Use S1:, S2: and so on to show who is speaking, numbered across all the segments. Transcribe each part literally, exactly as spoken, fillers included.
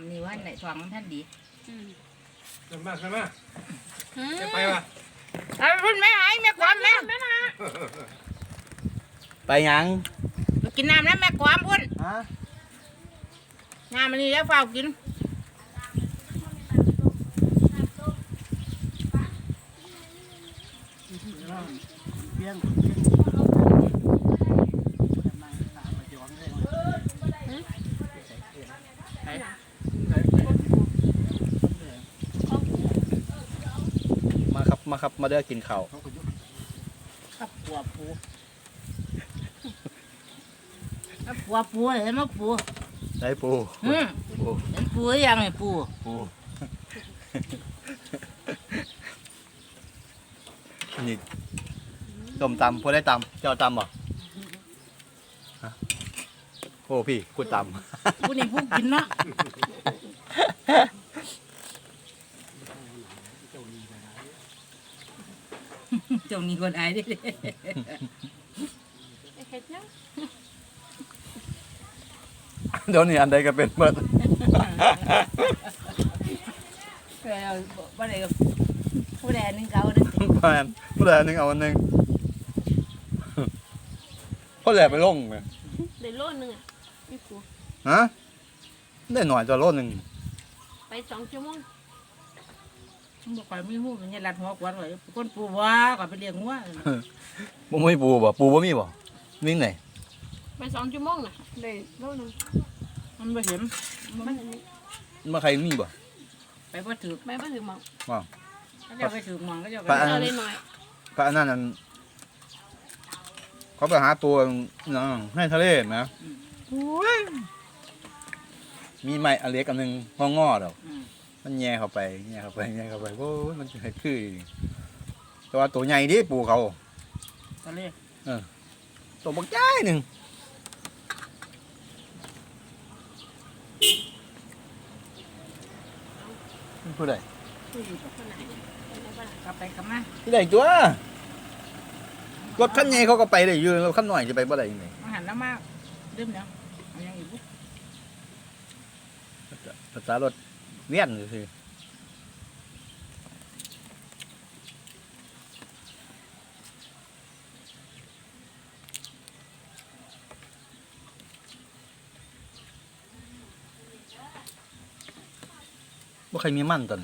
S1: ำนี่ว่าไหนทองมันท่านดี
S2: ขึ้นมาขึ้นมาจะไปวะ
S1: เอาคุณแม่หายแม่ความแม่
S3: ไปยัง
S1: กินน้ำแล้วแม่ความพุ่นน้ำมันนี่แล้วเฝ้ากิน
S3: เพียงมาครับมาครับมาเด้อกินข้าว
S1: ครับปัวปูปัวปูเห็นไหมปู
S3: ได้ปู
S1: อืมปูเห็นปูหรือยังไงปู
S3: ปูนี่ต้มตำพอได้ตำเจ้าตำบ่โอ้พี่คุณตำ
S1: ผู้นี่ผู้กินเนาะเจ้านี่คนอายดิ
S3: เดี๋ยวนี้อันใดก็เป็นเมื่อ
S1: แล้วบ่ได้ผู้ใดนึงเก่านึง
S3: ผู้ใดผู้ใดนึงเอาอันนึงพ่อแหลไปลงเลย
S4: ได้โลนึงอ่ะพี่ปู
S3: ฮะได้หน่อยจะโลนึง
S4: ไปสองชั่วโมง
S1: บ่ค่อยมีหูมันยันรัดหัวกวนไว้คนปูว่าก็ไปเลี้ยงหัว
S3: บ่มีปูบ่ปูบ่มีบ่วิ่งไหน
S4: ไปสองชั่วโมงน่ะได้โลนึง
S1: มันบ่เห็น
S4: มัน
S3: มาใครมีบ่
S1: ไปบ่ถือ
S4: ไปบ่ถือหมอง
S3: ว่า
S1: เขาจะไปถือหมองก็จะไป
S4: เอาได้หน่อย
S3: พระนั่นเขาไปหาตัวในทะเลนะมีไม้อเล็กอันนึงห้องงอดอกมันแย่เข้าไปแย่เข้าไปแย่เข้าไปโอ้มันจะคือแต่ว่าตัวใหญ่ดิปูเขา
S1: ทะเล
S3: เออตัวบักใหญ่หนึ่งผู้ใด
S1: กลับไปกลับมา
S3: ที่ไหนตัวรถขั้นใหญ่เขาก็ไปได้อยู่รถขั้นหน่อยจะไปบ่ได้ยังไง
S1: อาหารน้ำมากดื่มแล้วเอาอย่างอีกปุ๊บ
S3: ภาษารถเวียนคือว่าใครมีมั่นตอน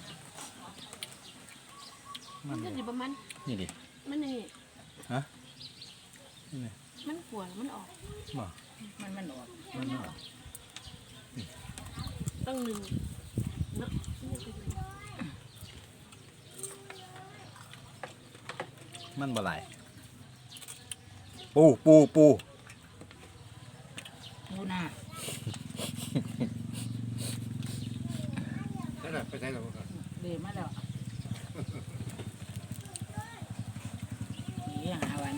S4: มันก็อยู่ประมาณ
S3: นี่ดิ
S4: มันนี่
S3: ฮะนี่
S4: มันปวดมันออก
S1: มันมันออก
S3: มันออก
S4: ต้องหนึ่ง
S3: มันบ่ไหลปูปูปู
S1: ปูหน้า
S2: ไปใช้หรอ
S1: เดี๋ยวมาแล้วนี่หาวัน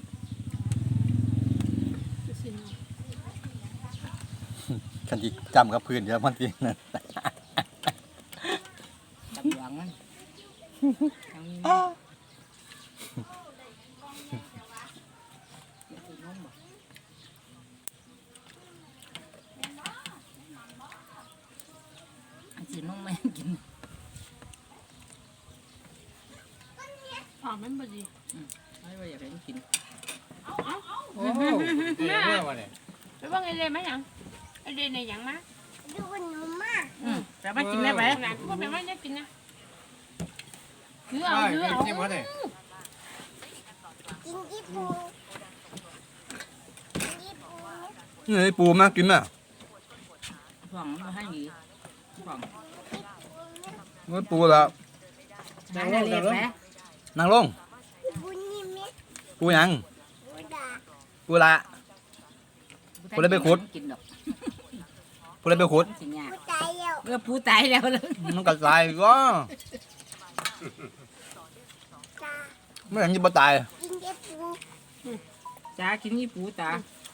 S3: คันที่จำกับพื้นเยอะมันจริงนะ
S1: จับหวังมันสีน้องแม่กิน
S4: หอมมันพอดี
S1: ไม่ว่าอยากให้กิน
S4: โอ้
S2: โหเดี๋ยวเมื่อวันนี้
S4: ไปว่าไงเลยไหมยังไอเดนในยังมา
S1: ดูหนูมากแต่ไม่กินได้ไหม
S4: หลานก็ไม่ว่าจะกินนะเนื้อเอาเนื้อเอา
S2: กินอะไร
S1: กินญี่ปุ่น
S3: นี่ปูมากินน่ะ
S1: หวังมาให้หยีหวัง
S3: นี่ปูแล้ว
S1: นั่งลง
S3: นั่งลงปูยังปูละปูได้ไปขุดปูได้ไปขุด
S1: เมื่อปูตายแล้ว
S3: มันก็ตายก็ไม่อย่างนี้บ่ตาย
S1: จ้ากินยี่ปูตา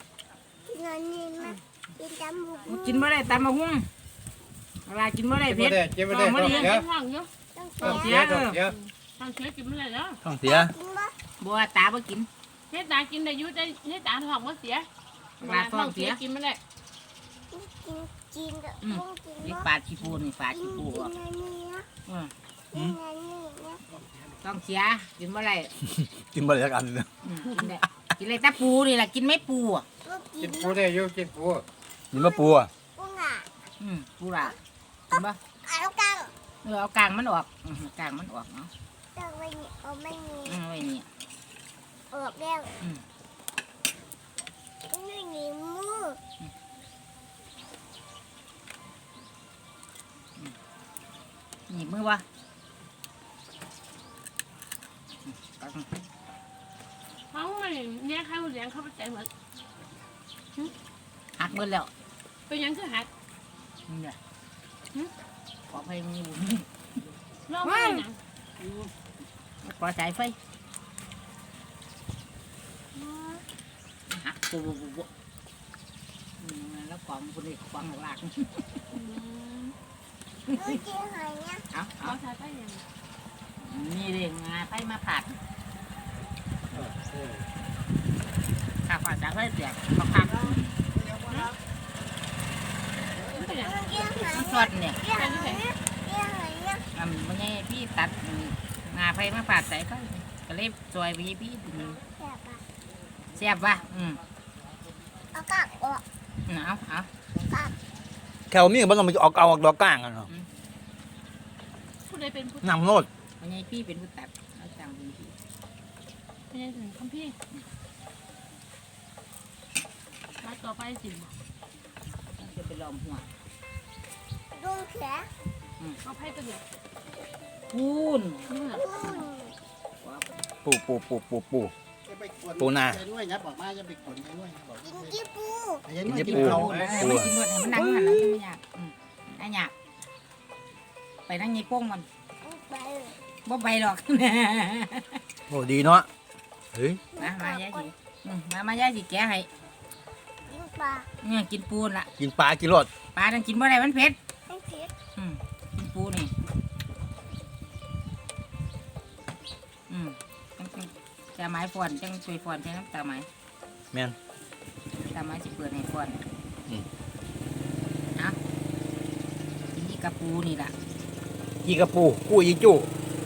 S1: กินเมื่อไรตามมาหุ้งอะไรกินเมื่อไรเพชร
S2: กินเมื่อไรเมื่อไร
S4: เยอะ
S2: ต้องเสียต้องเสีย
S4: ต้องเสียกินเมื่อไรแล้ว
S3: ต้องเสีย
S1: บัวตาบ่กิน
S4: เฮ็ดตากินได้ยุได้เฮ็ดตาท้องบ่เสีย
S1: ลาท้องเสีย
S4: กินเมื่อไร
S1: ก
S5: กินกับ
S1: อืม
S5: บุ้งกิน
S1: นี่
S5: เนาะ
S1: ปลาขี้ปูนี่ปลา
S5: กิ
S1: ขี้
S5: น
S1: ปู
S5: กิน
S1: อ่ะ
S5: อันนี้นะ
S1: อืม
S5: กินอันนี้นะ
S1: ต้องเสียกินเมื่อไร
S3: กินบ่ได้สักอันเลย
S1: อืมกินได้กินอะไรแต่ปูนี่แหละกินไม่ปูอ่ะ
S5: ก็กิ
S2: กิ
S5: น
S2: นปูได้อยู่กินปู
S3: กินมะปูอ่ะ
S5: บุ้งอ่ะ
S1: อืมปูละกินปะ
S5: เอากัง
S1: เออเอากลางมันออกอืมกลางมันออกเนาะ
S5: ตังไว้นี่เอาไม่มี
S1: อืมไว้นี่
S5: ออกแล้ว
S1: อืม
S5: นี่นี่มือ
S1: หนีบมือวะอืมกลาง
S4: เขาไม่เนี่ยใครเลี้ยงเขาไปใจเหมือน
S1: หักมือแล้ว
S4: เป็นยังคือหัก
S1: นี่แหละขอไฟมีบุญ
S4: รอบไม่ยัง
S1: ขอสายไฟหักปุ๊บปุ๊บปุ๊บปุ๊บอืมแล้วกล่องคนนี้กล่องหลัก
S5: มือกินหอยเนี่ย
S1: เอา
S4: เขา
S1: เอา
S4: ใช้ไปยัง
S1: นี่เรื่องงาไปมาผัดข้าวผัดจากไฟเสียบข้าวผัด
S4: เป็นยัง
S5: มือกินหอย
S1: มันส
S5: เนี่ย
S1: ดเนี่ย
S5: กินหอยเนี่ยกินหอยเนี่ย
S1: อ่ามันไงพี่ตัดงาไปมาผัดใส่ไฟก็เลยซอยไปพี่
S5: แซ่บอ่ะ
S1: เสียบว่ะอืม
S5: เอากักออก
S1: เอาเอา
S5: กัก
S3: แค่ว่ามีบ่ต้องไปออกเอาออกดอกก้างกันเนาะ
S4: ผู้ใดเป็นผู้
S3: นำโนด
S1: มันไงพี่เป็นผู้ตัดเอาจังเป็นพี่
S4: เป็นยังถึงคำพี่มาต่อไปสิ
S1: จะไปลอมหัว
S5: ดุ้งแขน
S4: เอาไพ่ตัวเดียว
S1: พูน
S4: นี่เหรอ
S5: อุ้ย
S3: ปูปูปูปูปูปูนา
S6: ด้วยนะบอกมาจะไปขนไปด้วยบอก
S5: กินกี่ปู
S6: ยัน
S3: กิน
S6: ด้วย
S3: ที่
S6: กิน
S3: ปู
S6: เขา
S3: ปู
S1: ไม่กินหมดให้มันนั่งหันแล้วไม่อยากอืมไอ้อยากไปนั่งยี่โป้งมัน
S5: ไป
S1: บ่ไปหรอก
S3: โอ้ดีเนาะเฮ้ย
S1: มามายายสิอืมมามายายสิแกะให้
S5: กินปลา
S1: เนี่ยกินปูนละ
S3: กินปลากินรส
S1: ปลาต้องกินบ่ได้มันเผ็ด
S5: ให้เผ็ด
S1: อืมกินปูนี่อืมจังจังจะไม้ฟอนจังช่วยฟอนใช้น้ำตาไม้
S3: แม่น
S1: ตาไม้สิเปิดให้ฟอน
S3: อืม
S1: เอากินนี่กับปูนี่ล่ะ
S3: กี่กระปูกู้ยีจู้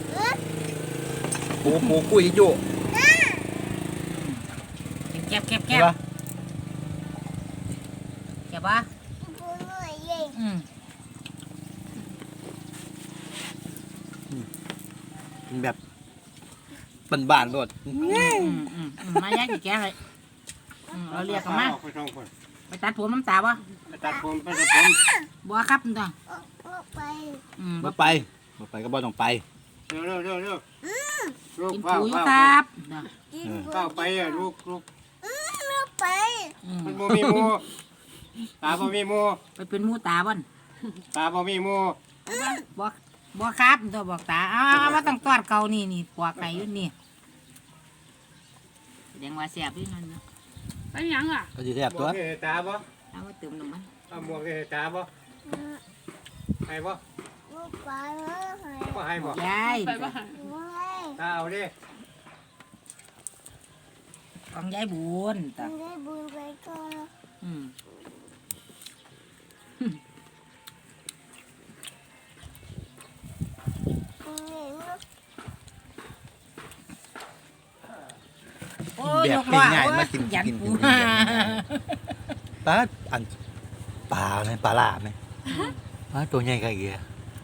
S3: ปูปูกู้ยีจู้
S1: กินแก็บแก็บแก็
S3: ใช่
S1: บ
S3: ปะ
S1: แก็บปะ
S5: ปูหน่อยเย่
S1: อืม
S3: เป็นแบบบ้านๆรส
S1: อืมอืมอืมอืมมายายสิแกะให้อืมเราเรียกกันมา
S2: ไปสองคน
S1: ไปตัดผมน้ำตาบ่
S2: ไปตัดผมไปตัดผม
S1: บ่ครับนี่ต้อง
S5: ออกออกไป
S1: อืม
S3: บ่ไปบ่ไปก็บ่ต้องไป
S2: เร็วเร็วเร็วเร็วลูก
S1: กิน
S2: เฝ้า
S1: ปูอยู่
S2: เฝ้า
S1: ครับน่ะ
S5: กิน
S2: เฝ้าไปอ่ะลูกลูก
S5: ไม่ไป
S1: อืม
S2: มันบ่มีหมูตาบ่มีหมู
S1: ไปเป็นหมูตาบ่น
S2: ตาบ่มีหมู
S1: บ่บ่ครับตัวบอกตาอ้าวว่าต้องตอดเขานี่นี่ปวกไก่อยู่นี่แสดงว่าแซ่บอยู่นั่นนะ
S4: ไปยังอ่ะ
S3: ก็สิแซ่บ
S2: หม
S3: ตัว
S2: วกให้ตาบ่
S1: เอามาเติมน้ำมัน
S2: เอาหมวกให้ตาบ่ให้บ่
S5: ลูกปลาเลย
S2: บ่ให้บ่
S1: ยาย
S4: ไปบ้าน
S5: ไม่
S2: ตาเอาดิ
S1: ของยายบุญตา
S5: ได้บุญไปก่อน
S1: อืมโอ้ย
S3: แบบ
S1: ยกล้อ
S3: ง่ายๆ
S1: โอ้
S3: มากิน
S1: ยัน
S3: กิน
S1: ปู
S3: กินกิน ปลาอันปลาไหมปลาลาบไหมปลาตัวใหญ่กะเอีย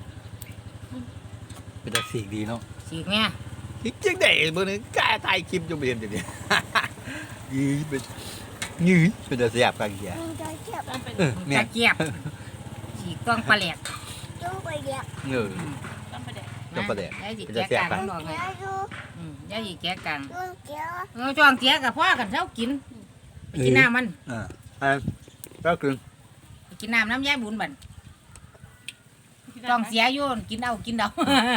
S3: เป็นตาสีกดีเนาะ
S1: สิแม่
S3: อีกจังได๋บ่นึงกล้าถ่ายคลิปอยู่บ่เห็นจังซี่ ยีเป็นยีเป็นตาแซ่บกะเอีย
S5: มึงจะเก็บ
S4: ต้องเป็น
S3: เออแม่
S1: ตะเกียบสีกล้องปลาแหลก
S5: ต้องไปเก็บ
S3: เออ
S4: ต้องไปแดก
S3: ต้องปลาแหลก
S1: ยายสิ
S3: เป็น
S1: แกะ
S3: ตาแซ่บ
S1: กลาง
S3: ปะ
S1: มันบอกไง
S5: เดี๋ยวดู
S1: อืมยายสิแกะกลาง
S5: ต้องเก็บ
S1: เออจ้องเกียกับพ่อกันเช้ากินไปกินน้ำมัน
S3: อ่าอ่าก็คือ
S1: ไปกินน้ำน้ำยายบุญบันจ้องเสียอยู่กินเอากินเอา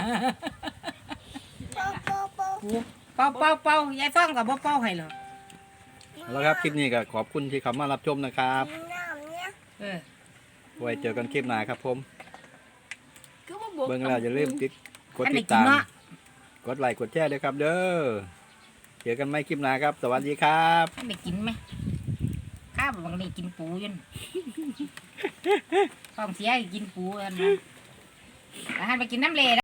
S5: โป๊ะโป๊ะโป๊ะ
S1: เป่าเป่าเป่ายายซ่องกับบ่เป่าให้หรอก
S3: แล้วครับคลิปนี้ก็ขอบคุณที่เข้ามารับชมนะครับ
S5: กินน้ำเนี่ย
S1: เออ
S3: ไว้เจอกันคลิปหน้าครับผม
S4: คือว่าบวก
S3: เบิ่งแล้วอย่าลืมกดกด
S1: อันไหน
S3: ติด
S1: กิน
S3: ตาม
S1: เนาะ
S3: กดไลค์กดแชร์ด้วยครับเด้อ เจอกันใหม่คลิปหน้าครับ สวัสดีครับ
S1: อันไหนกินไหมค
S4: ข้าวบางนี่กินปูอยันท้องเสียกินปูอันนั้นแล้วหันไปกินน้ำเล